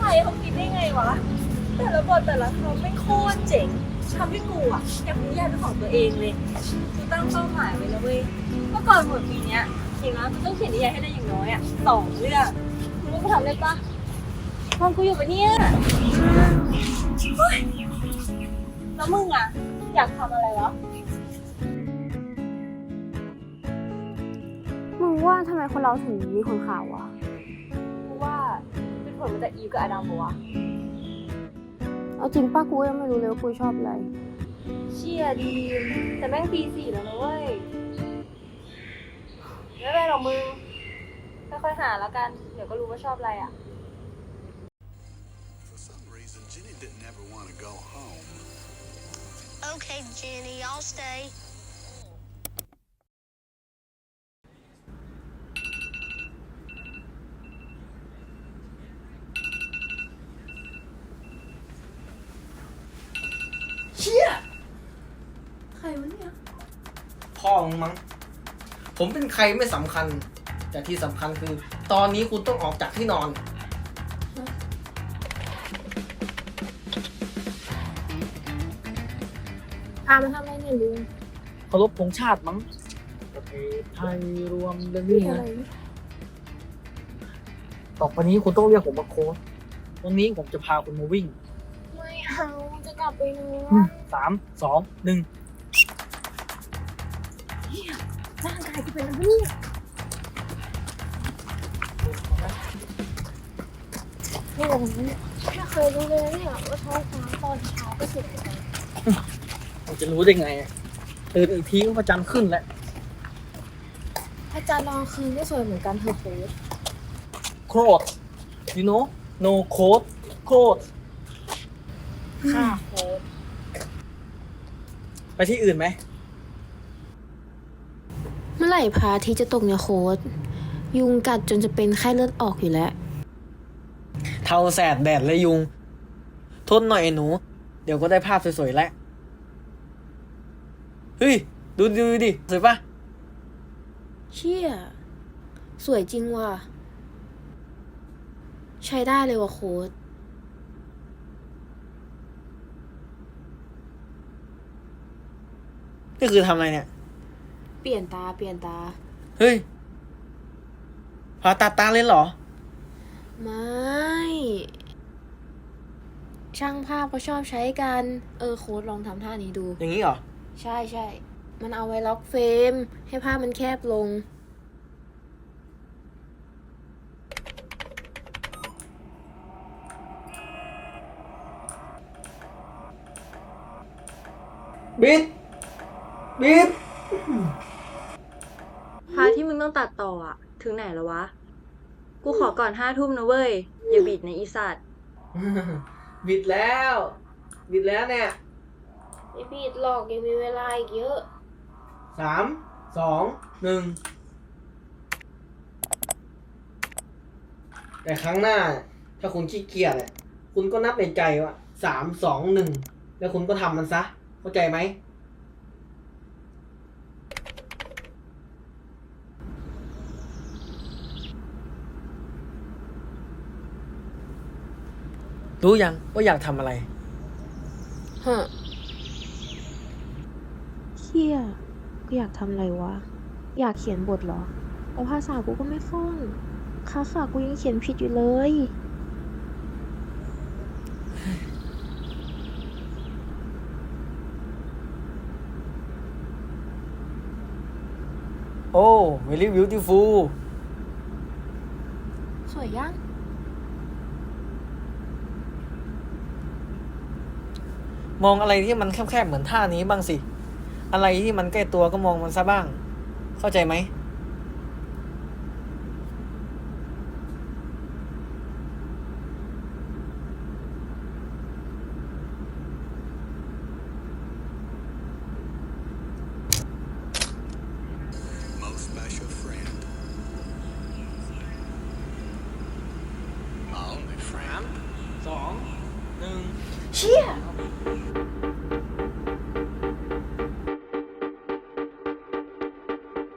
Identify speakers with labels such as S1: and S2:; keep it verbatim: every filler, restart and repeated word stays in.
S1: รเขาคิดได้ไงวะแต่ละบทแต่ละคำไม่โคตรเจ๋งทำให้กูอ่ะอยากมีนิยายเป็นของตัวเองเลยกูตั้งเป้าหมายไว้แล้วเว้ยเมื่อก่อนหมดปีเนี้ยอย่างน้อยกูต้องเขียนนิยายให้ได้อย่างน้อยอ่ะสองเรื่องมึงว่ากูทำได้ปะตอนกูอยู่ปะเนี่ยเฮ้ยแล้วมึงอ่ะอยากทำอะไรวะ
S2: มึงว่าทำไมคนเราถึงมีคนข่าววะ
S1: กูว่าเป็นผลมาจากอีฟกับอดัมปะวะ
S2: เอาจริงป้ากูยังไม่รู้เลยว่ากูชอบอะไร
S1: เชี่ยดีมแต่แม่งปีสี่แล้วนะเว้ยไม่เป็นไรหรอกมึงค่อยๆหาแล้วกันเดี๋ยวก็รู้ว่าชอบอะไรอ่ะ
S3: For some reason, Jenny didn't ever want to go home.
S4: Okay, Jenny, I'll stay.
S5: เชี่ย
S1: ใครวะเนี่ย
S5: พ่อมึงมั้งผมเป็นใครไม่สำคัญ แต่ที่สำคัญคือ ตอนนี้คุณต้องออกจากที่นอน
S2: พามาทำอะไรเนี่ยลุง
S6: เคารพธงชาติมั้งประเทศไทยรวมเรื่องนี้
S2: อะไร
S6: นะต่อไปนี้คุณต้องเรียกผมว่าโค้ชวันนี้ผมจะพาคุณมาวิ่ง
S2: ไม่เอาจะกลับไปนอ
S6: อื
S2: น
S6: มสามสองหนึ่ง
S2: ร่างกายกูเป็นอะไรเนี่ยนี่อะไรเนี่ยไม่เคยรู้เลยนะเนี่ยว่าท้องฟ้าตอนเช้าก็สวยจัง
S6: ผมจะรู้ได้ไงอะตื่นอีกทีก็พระจันทร์ขึ้นแล้ว
S2: อาจารย์รองคืนก็สวยเหมือนกันเธอโค้ช
S6: โค้ด you know no code โค้ด
S2: ค่ะโค้ช
S6: ไปที่อื่นไหม
S2: เมื่อไหร่พระอาทิตย์จะตกเนี่ยโค้ชยุงกัดจนจะเป็นไข้เลือดออกอยู่แล้ว
S5: เทาแสดแดดและยุง ทนหน่อยไอ้หนู เดี๋ยวก็ได้ภาพสวยๆแล้ว เฮ้ย ดูดูดิ สวยปะ
S2: เชี่ยสวยจริงว่ะ ใช้ได้เลยว่ะโค้ด
S5: นี่คือทำอะไรเนี่ย
S2: เปลี่ยนตาเปลี่ยนตา
S5: เฮ้ยผ่าตัดตาเลยเหรอ
S2: ไม่ ช่างภาพเขาชอบใช้กัน เออโค้ดลองทำท่านี้ดู
S5: อย่างนี้เหรอ
S2: ใช่ใช่ มันเอาไว้ล็อกเฟรม ให้ภาพมันแคบลง
S5: บิด บิด
S1: พาร์ทที่มึงต้องตัดต่ออะถึงไหนแล้ววะ กูขอก่อนห้าทุ่มนะเว้ย อย่าบิดในะอีสัตว์
S5: บิดแล้ว บิดแล้วเนี่ย
S2: ไม่ผิดหรอกยังมีเวลาอีกเยอะ
S5: สาม สอง หนึ่ง แต่ครั้งหน้า ถ้าคุณขี้เกียจเนี่ยคุณก็นับในใจว่าสาม สอง หนึ่ง แล้วคุณก็ทำมันซะ เข้าใจไหม รู้ยังว่าอยากทำอะไร
S2: ฮะเชี่ยกูอยากทำอะไรวะ อยากเขียนบทเหรอ แต่ภาษากูก็ไม่คล่องคาขากูยังเขียนผิดอยู่เลย
S5: โอ้ very beautiful
S2: สวยยัง
S5: มองอะไรที่มันแคบๆเหมือนท่านี้บ้างสิ อะไรที่มันใกล้ตัวก็มองมันซะบ้าง เข้าใจไหม
S3: Most special friend. My only friend.
S5: สอง หนึ่ง
S2: เชี่ย